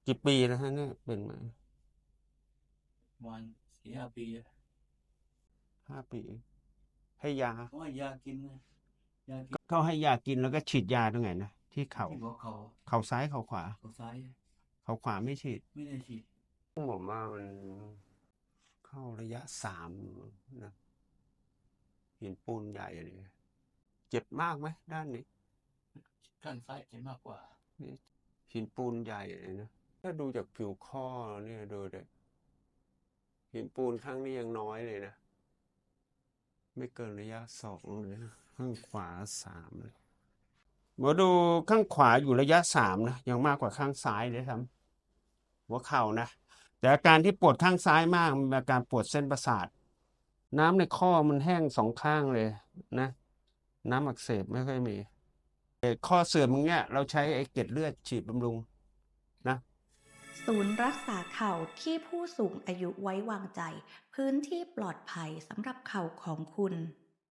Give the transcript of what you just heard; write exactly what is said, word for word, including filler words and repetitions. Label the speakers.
Speaker 1: กี่ปีแล้วฮะเนี่ยเป็นมา
Speaker 2: วันสี่ห้าปีอะ
Speaker 1: ห้าปีให้ยา
Speaker 2: เขาให้ยากินนะยากิน
Speaker 1: เขาให้ยากินแล้วก็ฉีดยาตรงไหนนะที่เข่า
Speaker 2: ที่หัวเขา
Speaker 1: เข่าซ้ายเข่าขวา
Speaker 2: เขาซ้าย
Speaker 1: เข่าขวาไม่ฉีด
Speaker 2: ไม่ได้ฉีด
Speaker 1: ผมว่ามันเข้าระยะสามนะหินปูนใหญ่เลยเจ็บมากไหมด้านนี้
Speaker 2: ข้างซ้ายจะมากกว่า
Speaker 1: นี่หินปูนใหญ่เลยนะถ้าดูจากผิวข้อเนี่ยดูเด็หินปูนข้างนี้ยังน้อยเลยนะไม่เกินระยะสองเลยนะข้างขวาสามเลย หมอดูข้างขวาอยู่ระยะสามนะยังมากกว่าข้างซ้ายเลยครับหัวเข่านะแต่อาการที่ปวดข้างซ้ายมากมันเป็นอาการปวดเส้นประสาทน้ำในข้อมันแห้งสองข้างเลยนะน้ำอักเสบไม่ค่อยมีข้อเสื่อมอย่างเงี้ยเราใช้ไอ้เกล็ดเลือดฉีดบำรุงนะ
Speaker 3: ศูนย์รักษาเข่าที่ผู้สูงอายุไว้วางใจพื้นที่ปลอดภัยสำหรับเข่าของคุณ